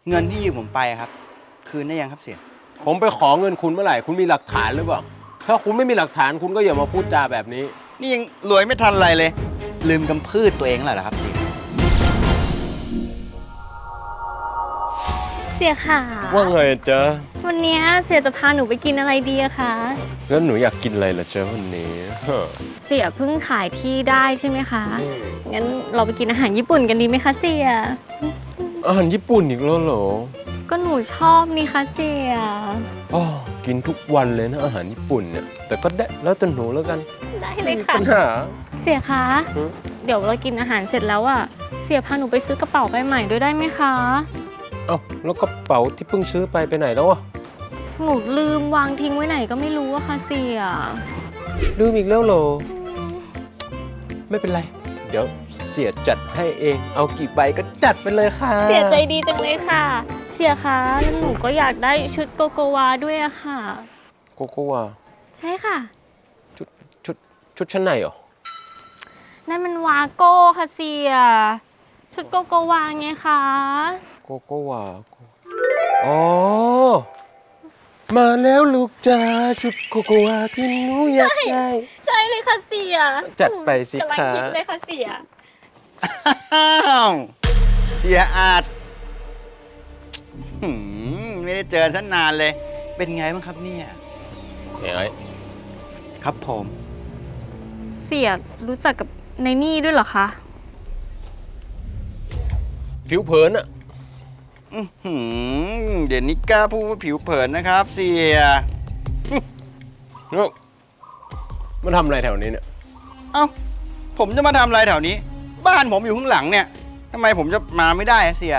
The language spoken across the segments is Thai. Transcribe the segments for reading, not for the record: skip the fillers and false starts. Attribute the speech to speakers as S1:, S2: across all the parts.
S1: เงินที่ยืมผมไปครับคืนได้ยังครับเสีย
S2: ผมไปขอเงินคุณเมื่อไหร่คุณมีหลักฐานหรือเปล่าถ้าคุณไม่มีหลักฐานคุณก็อย่ามาพูดจาแบบนี้
S1: นี่ยังรวยไม่ทันไรเลยลืมกำพืชตัวเองแล้วเหรอครับเสีย
S3: เสียค่ะ
S2: ว่าไงจ๊ะ
S3: วันนี้เสียจะพาหนูไปกินอะไรดีอะคะ
S2: แล้วหนูอยากกินอะไรล่ะจ๊ะวันนี้
S3: เสียเพิ่งขายที่ได้ใช่ไหมคะงั้นเราไปกินอาหารญี่ปุ่นกันดีไหมคะเสีย
S2: อาหารญี่ปุ่นอีกแล้วเหรอ
S3: ก็หนูชอบนี่คะเสีย
S2: อ๋อกินทุกวันเลยนะอาหารญี่ปุ่นเนี่ยแต่ก็ได้แล้วแต่หนูแล้วกัน
S3: ได้เลยค่ะ
S2: ปัญหา
S3: เสียคะเดี๋ยวเรากินอาหารเสร็จแล้วอะเสียพาหนูไปซื้อกระเป๋าใบใหม่ด้วยได้ไหมคะ
S2: เอ้าแล้วกระเป๋าที่เพิ่งซื้อไปไหนแล้วอะ
S3: หนูลืมวางทิ้งไว้ไหนก็ไม่รู้อะค่ะเสีย
S2: ลืมอีกแล้วเหรอไม่เป็นไรเดี๋ยวเสียจัดให้เองเอากี่ใบก็จัดไปเลยค่ะ
S3: เสียใจดีจังเลยค่ะเสียคะแล้วหนูก็อยากได้ชุดโกโกวาด้วยอะค่ะ
S2: โกโกวา
S3: ใช่ค่ะ
S2: ชุดชั้นในเหรอ
S3: นั่นมันวาโก้ค่ะเสียชุดโกโกวาไงคะ
S2: โกโกวาอ๋อมาแล้วลูกจ้าชุดโกโกวาที่หนูอยากได้
S3: ใช่เลยค่ะเสีย
S2: จัดไปสิคะ
S3: กำลังคิดเลยค่ะเสีย
S1: เสียอาจไม่ได้เจอฉันนานเลยเป็นไงบ้างครับเนี่ย
S2: เฮ้ย
S1: ครับผม
S3: เสียรู้จักกับในนี่ด้วยเหรอคะ
S2: ผิวเผินอะ
S1: เดี๋ยวนี้กล้าพูดว่าผิวเผินนะครับเสีย
S2: มันทำอะไรแถวนี้เนี่ย
S1: เอ้าผมจะมาทำอะไรแถวนี้บ้านผมอยู่ข้างหลังเนี่ยทำไมผมจะมาไม่ได้เสีย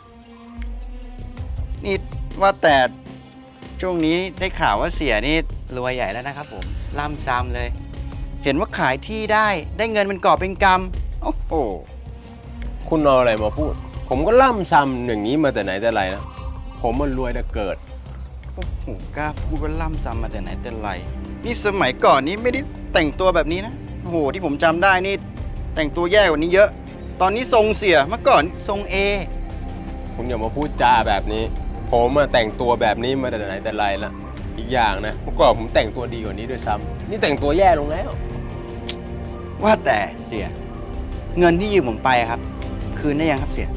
S1: นี่ว่าแต่ช่วงนี้ได้ข่าวว่าเสียนี่รวยใหญ่แล้วนะครับผมล่ำซ้ำเลยเห็นว่าขายที่ได้เงินเป็นกอบเป็นกำโอ้โห
S2: คุณเอาอะไรมาพูดผมก็ล่ำซ้ำอย่างนี้มาแต่ไหนแต่ไรนะผมมันรวยแต่เกิด
S1: โอ้โหกล้าพูดว่าล่ำซ้ำมาแต่ไหนแต่ไรนี่สมัยก่อนนี้ไม่ได้แต่งตัวแบบนี้นะโอ้โหที่ผมจำได้นี่แต่งตัวแย่กว่านี้เยอะตอนนี้ทรงเสียเมื่อก่อนทรงเอ
S2: คุณอย่ามาพูดจาแบบนี้ผมมาแต่งตัวแบบนี้มาแต่ไหนแต่ไรละอีกอย่างนะเมื่อก่อนผมแต่งตัวดีกว่านี้ด้วยซ้ำนี่แต่งตัวแย่ลงแล้ว
S1: ว่าแต่เสียเงินที่ยืมผมไปครับคืนได้ยังครับเสีย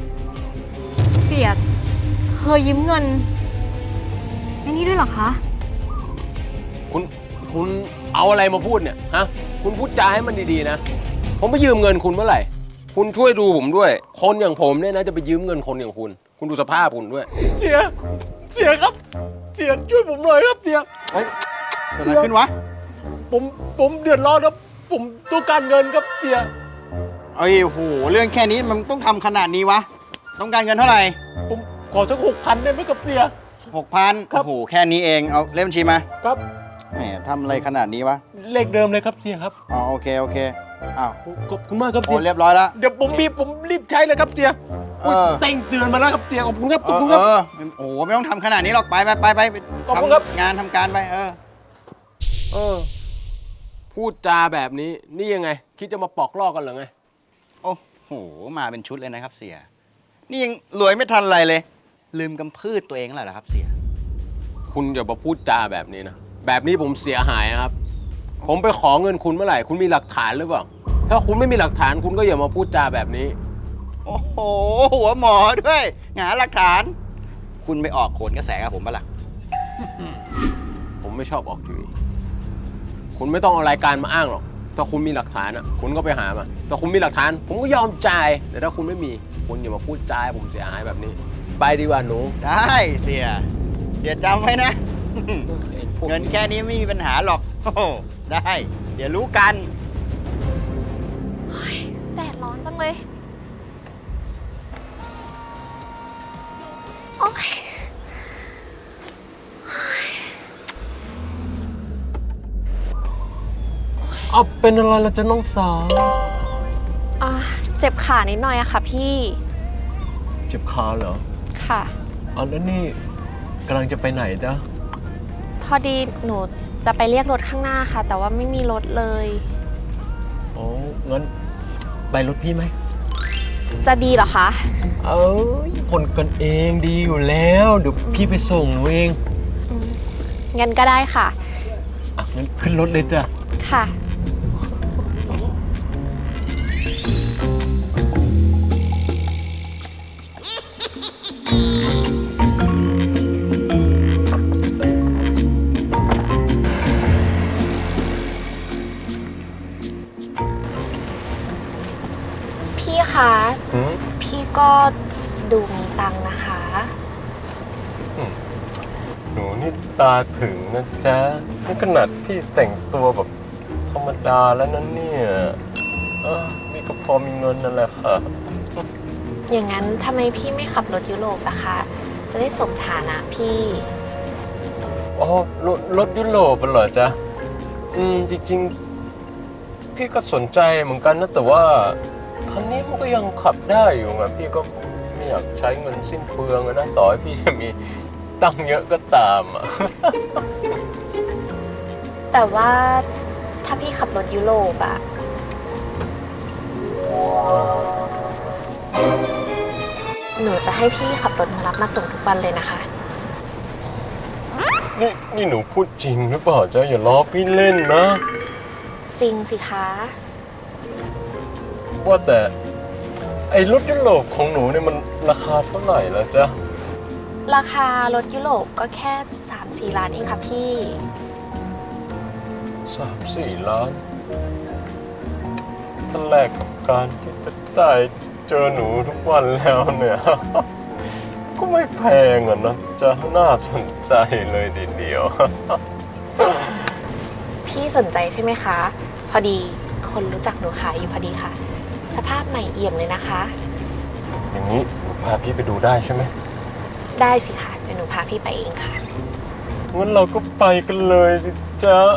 S3: เคยยืมเงินไอ้นี่ด้วยเหรอคะ
S2: คุณเอาอะไรมาพูดเนี่ยฮะคุณพูดจาให้มันดีๆนะผมไปยืมเงินคุณเมื่อไหร่คุณช่วยดูผมด้วยคนอย่างผมเนี่ยนะจะไปยืมเงินคนอย่างคุณดูสภาพคุณด้วยเสียครับเสียช่วยผมหน่อยครับเสีย
S1: เฮ้ยเกิดอะไรขึ้นวะ
S2: ผมเดือดร้อนครับผมต้องการเงินครับเสีย
S1: เอ้ยโหเรื่องแค่นี้มันต้องทำขนาดนี้วะต้องการเงินเท่าไหร่
S2: ผมขอสัก6,000ได้ไหมครับเสีย
S1: 6,000ครับโอ้โหแค่นี้เองเอาเลขบัญชีมา
S2: ครับ
S1: แหมทำอะไรขนาดนี้วะ
S2: เลขเดิมเลยครับเสียครับ
S1: อ๋อโอเคอ้าว
S2: ขอบคุณมากครับเสีย
S1: เรียบร้อยแล้ว
S2: เดี๋ยวผมรีบใช้เลยครับเสียแต่งเตือนมาแล้วครับเสียขอบคุณครับโอ้
S1: โหไม่ต้องทำขนาดนี้หรอกไป
S2: ขอบคุณครับ
S1: งานทำการไป
S2: พูดจาแบบนี้นี่ยังไงคิดจะมาปอกลอกกันเหรอไง
S1: โอ้โหมาเป็นชุดเลยนะครับเสียนี่ยังรวยไม่ทันไรเลยลืมกำพืชตัวเองแล้วเหรอครับเสีย
S2: คุณอย่ามาพูดจาแบบนี้นะแบบนี้ผมเสียหายครับผมไปขอเงินคุณเมื่อไหร่คุณมีหลักฐานหรือเปล่าถ้าคุณไม่มีหลักฐานคุณก็อย่ามาพูดจาแบบนี้
S1: โอ้โหหัวหมอด้วยหาหลักฐานคุณไปออกโขนกระแสกับผมปะล่ะ
S2: ผมไม่ชอบออกทีวีคุณไม่ต้องเอารายการมาอ้างหรอกถ้าคุณมีหลักฐานคุณก็ไปหามาถ้าคุณมีหลักฐานผมก็ยอมจ่ายแต่ถ้าคุณไม่มีคุณอย่ามาพูดจาผมเสียหายแบบนี้ไปดีกว่าหนู
S1: ได้เสียจำไว้นะเงินแค่นี้ไม่มีปัญหาหรอกโอ้ได้เดี๋ยวรู้กัน
S3: แดดร้อนจังเลยโอ๊ย
S2: เอาเป็นอะไรล่ะจ๊ะน้องสาว
S3: เจ็บขานิดหน่อยอะค่ะพี่
S2: เจ็บขาเหรอ
S3: ค่ะ
S2: แล้วนี่กำลังจะไปไหนจ๊ะ
S3: พอดีหนูจะไปเรียกรถข้างหน้าค่ะแต่ว่าไม่มีรถเลย
S2: งั้นไปรถพี่ไหม
S4: จะดีเหรอคะ
S2: เอ้ยคนกันเองดีอยู่แล้ว เดี๋ยวพี่ไปส่งหนูเอง
S4: งั้นก็ได้ค่ะ
S2: อ่ะงั้นขึ้นรถเลยจ้ะ
S4: ค่ะ พี่คะ พี่ก็ดูมีตังค์นะคะ
S2: หนูนี่ตาถึงนะจ๊ะนี่ขนาดพี่แต่งตัวแบบธรรมดาแล้วนั้นเนี่ยมีก็พอมีเงินนั่นแหละค่ะ
S4: อย่างนั้นทำไมพี่ไม่ขับรถยุโรปล่ะคะ จะได้สมฐานะพี่
S2: อ๋อรถยุโรปเหรอจ๊ะจริงๆ พี่ก็สนใจเหมือนกันนะแต่ว่าคันนี้มันก็ยังขับได้อยู่ไงพี่ก็ไม่อยากใช้เงินสิ้นเปลืองอะนะต่อให้พี่จะมีตังค์เยอะก็ตามอ่ะ
S4: แต่ว่าถ้าพี่ขับรถยุโรปอะหนูจะให้พี่ขับรถมารับมาส่งทุกวันเลยนะคะ
S2: นี่หนูพูดจริงหรือเปล่าจ๊ะอย่าล้อพี่เล่นนะ
S4: จริงสิคะ
S2: ว่าแต่ไอ้รถยุโรปของหนูเนี่ยมันราคาเท่าไหร่แล้วจ๊ะ
S4: ราคารถยุโรปก็แค่ 3-4 ล้านเองค่ะพี่
S2: 3-4 ล้านถ้าแลกกับการที่จะได้เจอหนูทุกวันแล้วเนี่ย ก็ไม่แพงอ่ะนะจะน่าสนใจเลยทีเดียว
S4: พี่สนใจใช่ไหมคะ พอดีคนรู้จักหนูขายอยู่พอดีค่ะ สภาพใหม่เอี่ยมเลยนะคะ
S2: อย่างนี้หนูพาพี่ไปดูได้ใช่ไหม
S4: ได้สิคะเดี๋ยวหนูพาพี่ไปเองค่ะ
S2: งั้นเราก็ไปกันเลยสิจ๊ะ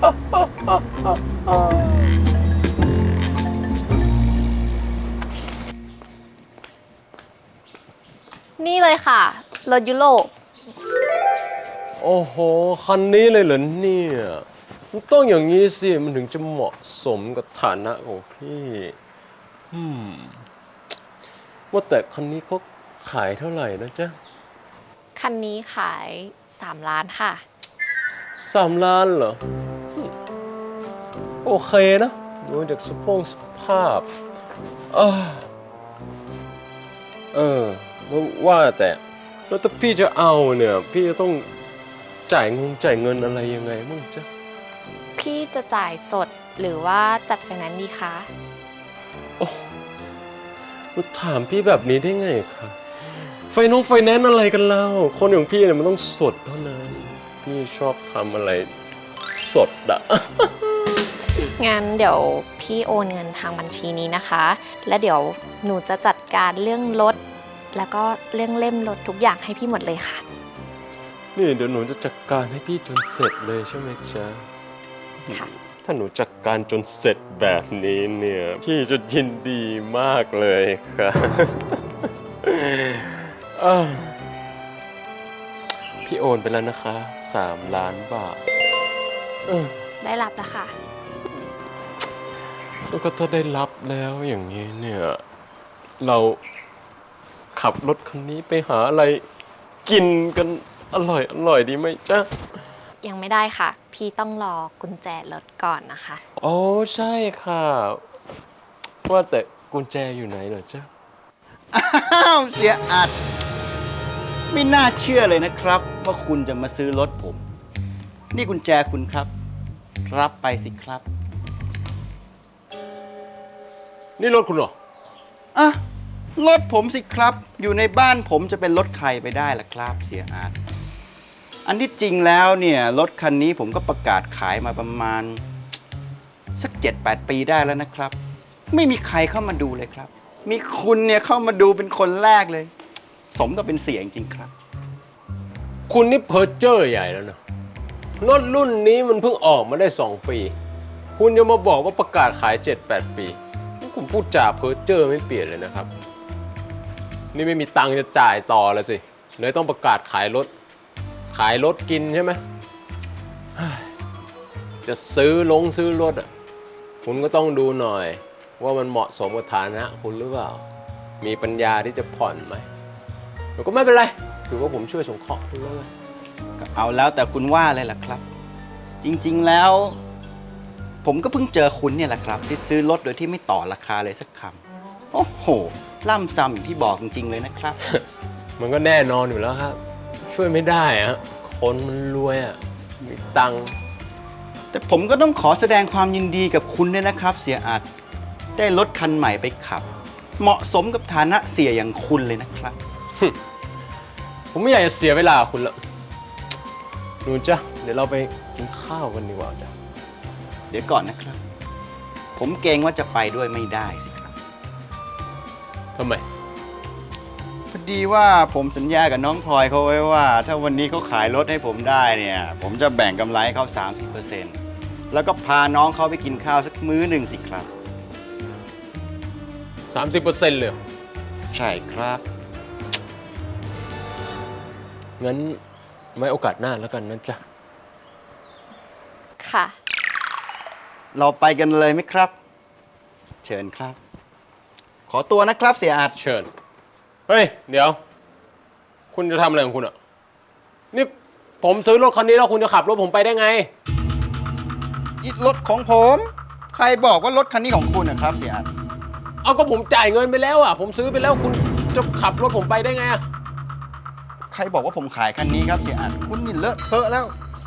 S4: นี่เลยค่ะ รถยุโรป
S2: โอ้โห คันนี้เลยเหรอเนี่ยมันต้องอย่างนี้สิมันถึงจะเหมาะสมกับฐานะของพี่ว่าแต่คันนี้เขาขายเท่าไหร่นะจ๊ะ
S4: คันนี้ขาย 3 ล้านค่ะ
S2: 3 ล้านเหรอโอเคนะดูจากสภาพว่าแต่แล้วถ้าพี่จะเอาเนี่ยพี่จะต้องจ่ายเงินอะไรยังไงมั่งจ๊ะ
S4: พี่จะจ่ายสดหรือว่าจัดไฟแนนซ์ดีคะ
S2: โอ้ถามพี่แบบนี้ได้ไงครับไฟแนนซ์อะไรกันเล่าคนอย่างพี่เนี่ยมันต้องสดเท่านั้นพี่ชอบทำอะไรสดอะ
S4: งั้นเดี๋ยวพี่โอนเงินทางบัญชีนี้นะคะ และเดี๋ยวหนูจะจัดการเรื่องรถแล้วก็เรื่องเล่มรถทุกอย่างให้พี่หมดเลยค่ะ
S2: นี่เดี๋ยวหนูจะจัดการให้พี่จนเสร็จเลยใช่ไหมจ๊ะ
S4: ค่ะ
S2: ถ้าหนูจัดการจนเสร็จแบบนี้เนี่ยพี่จะยินดีมากเลยค่ะ พี่โอนไปแล้วนะคะ3 ล้านบาท
S4: ได้รับแล้วค่ะ
S2: แล้วก็ถ้าได้รับแล้วอย่างนี้เนี่ยเราขับรถคันนี้ไปหาอะไรกินกันอร่อยดีไหมจ๊ะ
S4: ยังไม่ได้ค่ะ พี่ต้องรอกุญแจรถก่อนนะคะ
S2: โอ้ใช่ค่ะ ว่าแต่กุญแจอยู่ไหนเหรอจ๊ะ
S1: อ้าวเสียอัดไม่น่าเชื่อเลยนะครับว่าคุณจะมาซื้อรถผม นี่กุญแจคุณครับ รับไปสิครับ
S2: นี่รถคุณเหรอ
S1: อ่ะรถผมสิครับ อยู่ในบ้านผมจะเป็นรถใครไปได้ล่ะครับ เสียอาร์ตอันที่จริงแล้วเนี่ยรถคันนี้ผมก็ประกาศขายมาประมาณสัก 7-8 ปีได้แล้วนะครับ ไม่มีใครเข้ามาดูเลยครับ มีคุณเนี่ยเข้ามาดูเป็นคนแรกเลย สมกับเป็นเสียจริงๆครับ
S2: คุณนี่เพ้อเจ้อใหญ่แล้วนะรถรุ่นนี้มันเพิ่งออกมาได้2 ปี คุณยังมาบอกว่าประกาศขาย 7-8 ปีนี่คุณพูดจาเพ้อเจ้อไม่เปลี่ยนเลยนะครับ นี่ไม่มีตังค์จะจ่ายต่อแล้วสิเลยต้องประกาศขายรถกินใช่ไหมเฮ้ยจะซื้อรถอ่ะคุณก็ต้องดูหน่อยว่ามันเหมาะสมกับฐานะคุณหรือเปล่ามีปัญญาที่จะผ่อนไหมแต่ก็ไม่เป็นไร ถือว่าผมช่วยสงเคราะห์ด้วย
S1: ก็เอาแล้วแต่คุณว่าเลยล่ะครับ จริงๆแล้ว ผมก็เพิ่งเจอคุณเนี่ยแหละครับ ที่ซื้อรถโดยที่ไม่ต่อราคาเลยสักคำโอ้โหล่ำซ้ำอย่างที่บอกจริงๆเลยนะครับ
S2: มันก็แน่นอนอยู่แล้วครับ ช่วยไม่ได้อะคนมันรวยอะมีตังค์
S1: แต่ผมก็ต้องขอแสดงความยินดีกับคุณด้วยนะครับ เสียอาจได้รถคันใหม่ไปขับ เหมาะสมกับฐานะเสียอย่างคุณเลยนะครับ
S2: ผมไม่อยากจะเสียเวลาคุณละหนูจ้ะเดี๋ยวเราไปกินข้าวกันดีกว่าจ้ะ
S1: เดี๋ยวก่อนนะครับ ผมเกรงว่าจะไปด้วยไม่ได้สิครับ
S2: ทำไม
S1: พอดีว่าผมสัญญากับน้องพลอยเขาไว้ว่า ถ้าวันนี้เขาขายรถให้ผมได้เนี่ย ผมจะแบ่งกำไรให้เขา 30%แล้วก็พาน้องเขาไปกินข้าวสักมื้อหนึ่งสิครับ
S2: 30%เลยเหรอ
S1: ใช่ครับ
S2: งั้นไว้โอกาสหน้าแล้วกันนะจ๊ะ
S4: ค่ะ
S1: เราไปกันเลยไหมครับ เชิญครับ ขอตัวนะครับเสียอาจ
S2: เชิญ เฮ้ย เดี๋ยว คุณจะทำอะไรของคุณอ่ะ นี่ผมซื้อรถคันนี้แล้วคุณจะขับรถผมไปได้ไง
S1: นี่รถของผม ใครบอกว่ารถคันนี้ของคุณนะครับเสียอาจ
S2: เอาก็ผมจ่ายเงินไปแล้วอ่ะ ผมซื้อไปแล้วคุณจะขับรถผมไปได้ไงอ่ะ
S1: ใครบอกว่าผมขายคันนี้ครับเสียอาจคุณนี่เลอะเทอะแล้ว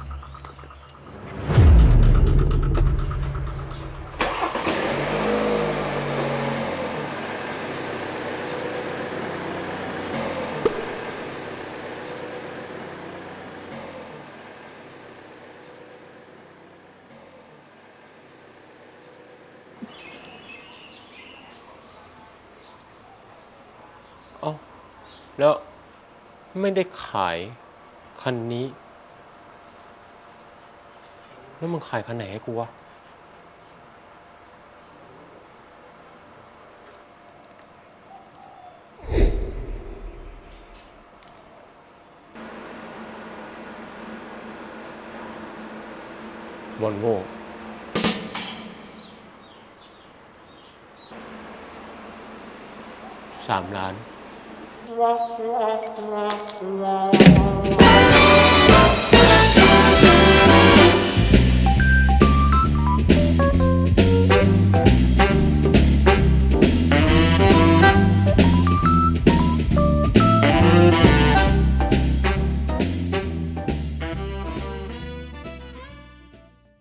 S2: เอ้าแล้วไม่ได้ขายคันนี้ แล้วมึงขายคันไหนให้กูวะ วอลโว่3 ล้าน